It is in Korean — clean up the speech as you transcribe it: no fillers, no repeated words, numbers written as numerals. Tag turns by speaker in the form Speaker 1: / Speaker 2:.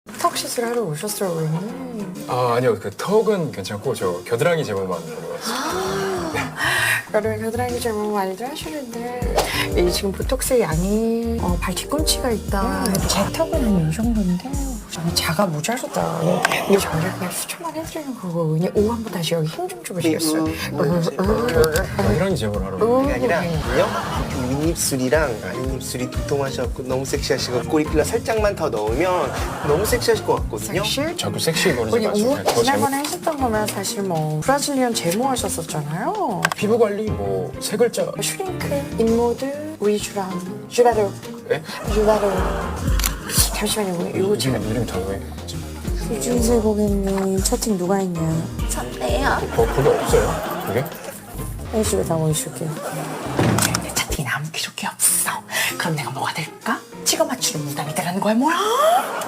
Speaker 1: 턱 시술하러 오셨어요, 고객님.
Speaker 2: 아, 아니요. 그 턱은 괜찮고 저 겨드랑이 제모만 보러 왔어요.
Speaker 1: 여러분 겨드랑이 제모 많이들 하시는데 이 지금 보톡스 양이 발 뒤꿈치가 있다. 제 턱은 한 이 정도인데 저는 자가 모자르다. 근데 저희가 그냥 수천만 해드리는 거거든요. 오후 한번 다시 여기 힘 좀 주시겠어요?
Speaker 2: 겨드랑이 제모를 하러 왔어요.
Speaker 3: 그게 아니라요. 윗입술이랑 아랫입술이 두통하셔갖고 너무 섹시하시고 꼬리필러 살짝만 더 넣으면 너무 섹시하실 것 같거든요.
Speaker 1: 사실
Speaker 2: 자꾸 섹시 거리지
Speaker 1: 우리
Speaker 2: 마시고 그냥 저 제모.
Speaker 1: 지난번에 하셨던 거면 사실 뭐 브라질리언 제모 하셨었잖아요.
Speaker 2: 피부 관리 뭐 세 글자.
Speaker 1: 슈링크, 인모드, 위주랑 주바로,
Speaker 2: 네?
Speaker 1: 주바로. 잠시만요, 고객님. 이거 제가
Speaker 2: 이름 다 왜?
Speaker 1: 이준세 고객님 채팅 누가 했냐? 저네요.
Speaker 2: 거기 없어요? 그게?
Speaker 1: 이슈가 다 모이실게요. 내 채팅에 아무 기록이 없어. 그럼 내가 뭐가 될까? 찍어 맞추는 무당이 되라는 거야, 뭐야?